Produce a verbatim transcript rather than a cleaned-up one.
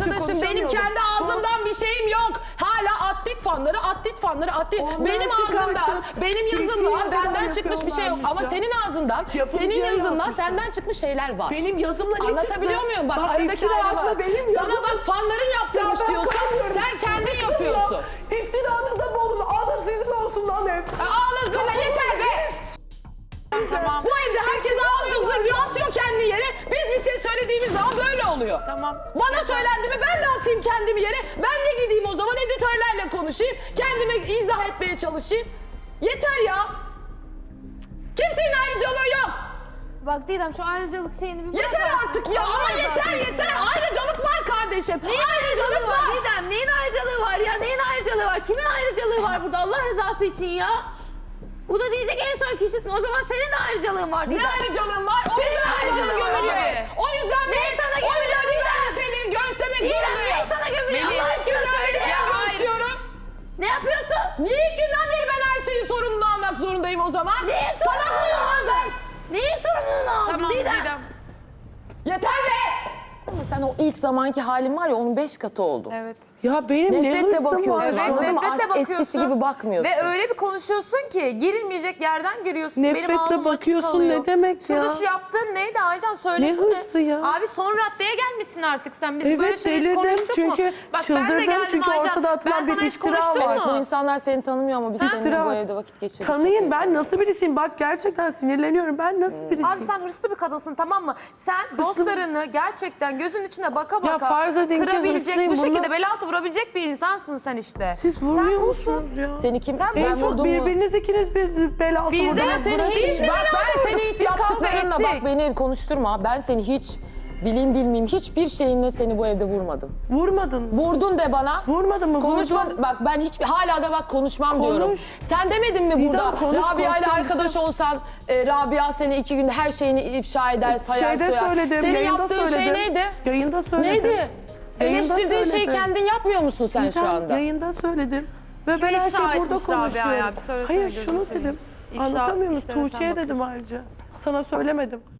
arkadaşım. Benim konuşamıyordum. kendi ağzımdan bir şeyim yok. Hala atlet fanları, atlet fanları, atlet. Ondan Benim ağzımdan, çıkartıp benim T T'ye yazımdan kadar benden çıkmış bir şey yok. Ama yapıyorlarmış ya. senin ağzından, Yapımcıya senin yazından yazmışlar. senden çıkmış şeyler var. Benim yazımla ne çıktı? Anlatabiliyor muyum? Bak, aradaki iftira ayrı atma var. benim Sana yazım. bak fanların yaptırmış Ya ben diyorsun. kalmıyorum. Sen kendin Sıkıntı yapıyorsun. yok. İftiranızda bulun. Alın sizin olsun lan hep. Ağlasın da yeter be. Tamam. Bu evde herkes ağlıyor, zırlıyor, atıyor kendini yere. Biz bir şey söylediğimiz zaman böyle oluyor. Tamam. Bana söylendi mi ben de atayım kendimi yere. Ben de gideyim o zaman editörlerle konuşayım. Kendime izah etmeye çalışayım. Yeter ya. Kimsenin ayrıcalığı yok. Bak Didem şu ayrıcalık şeyini bir bırak Yeter artık ya ama yeter yeter. Ayrıcalık var kardeşim. Neyin ayrıcalığı var Didem? Neyin ayrıcalığı var ya? Neyin ayrıcalığı var? Kimin ayrıcalığı var burada Allah rızası için ya? Bu da diyecek en son kişisin. O zaman senin de ayrıcalığın var Didem. Ne ayrıcalığım var? O Senin yüzden bana ayrıcalığın var gömülüyor. abi. O yüzden Ne ben, sana o yüzden gömülüyor bir Didem? tane şeyleri göğüslemek Didem zorundayım. ne sana gömülüyor Melih, Allah aşkına söyle ya. Ben istiyorum. Ne yapıyorsun? Niye ilk günden beri ben her şeyin sorumluluğunu almak zorundayım o zaman? Neyin Salak mıyım sorumluluğunu lan ben? aldın? Neyin sorumluluğunu aldın Tamam Didem? Didem. Yeter be! Ama sen o ilk zamanki halin var ya onun beş katı oldu. Evet. Ya benim ne Nefretle hırsım bakıyorsun. var. Evet, ya. anladın mı? nefretle Artık eskisi bakıyorsun gibi bakmıyorsun. Ve öyle bir konuşuyorsun ki girilmeyecek yerden giriyorsun. Benim Nefretle ağzım açık bakıyorsun kalıyor. ne demek Şurada ya? şu yaptığın neydi Aycan söylesene. Ne hırsı ya? Abi son raddeye gelmişsin artık sen. Biz böyle Evet şeyler hiç delirdim konuştuk çünkü mu? Bak, ben de çıldırdım geldim çünkü Aycan. ortada atılan Ben bir sana hiç iftira konuştum var. mu? Bu insanlar seni tanımıyor ama biz seninle İftira bu var. evde vakit geçirdik. Tanıyın Çok iyi. ben nasıl birisiyim? Bak gerçekten sinirleniyorum. Ben nasıl birisiyim? Abi sen hırslı bir kadınsın tamam mı? Sen dostlarını gerçekten gözünün içine baka baka farz edin ki kırabilecek, hırslıyım, bu şekilde bunlar- bel altı vurabilecek bir insansın sen işte. Siz vurmuyor Sen busun. musunuz ya? Seni kim? Sen En ben çok vurdum mu? birbiriniz ikiniz bir bel altı Biz de vurdunuz. Ben seni hiç, Biz bak beraber ben seni hiç biz kavga yaptıklarınla ettik. bak beni konuşturma. Ben seni hiç bileyim bilmeyeyim hiçbir şeyinle seni bu evde vurmadım. Vurmadın. Vurdun de bana. Vurmadın mı? Konuşma, Vurdun. bak ben hiç hala da bak konuşmam Konuş. diyorum. Sen demedin mi Didem, burada konuş, Rabia ile konuşalım. arkadaş olsan e, Rabia seni iki günde her şeyini ifşa eder, sayar Şeyde soyar. söyledim, Senin yayında yaptığın söyledim. şey neydi? Yayında söyledim. Neydi? Yayında Eleştirdiğin şeyi söyledim. kendin yapmıyor musun sen şu Didem, anda? Yayında söyledim. Ve Kimi ben her ifşa şeyi burada etmiş Rabia ya? konuşuyorum. Bir söylesene Hayır gözünü şunu seveyim. dedim. İfşa Anlatamıyor musun? işlerine sen Tuğçe'ye dedim ayrıca. Sana söylemedim.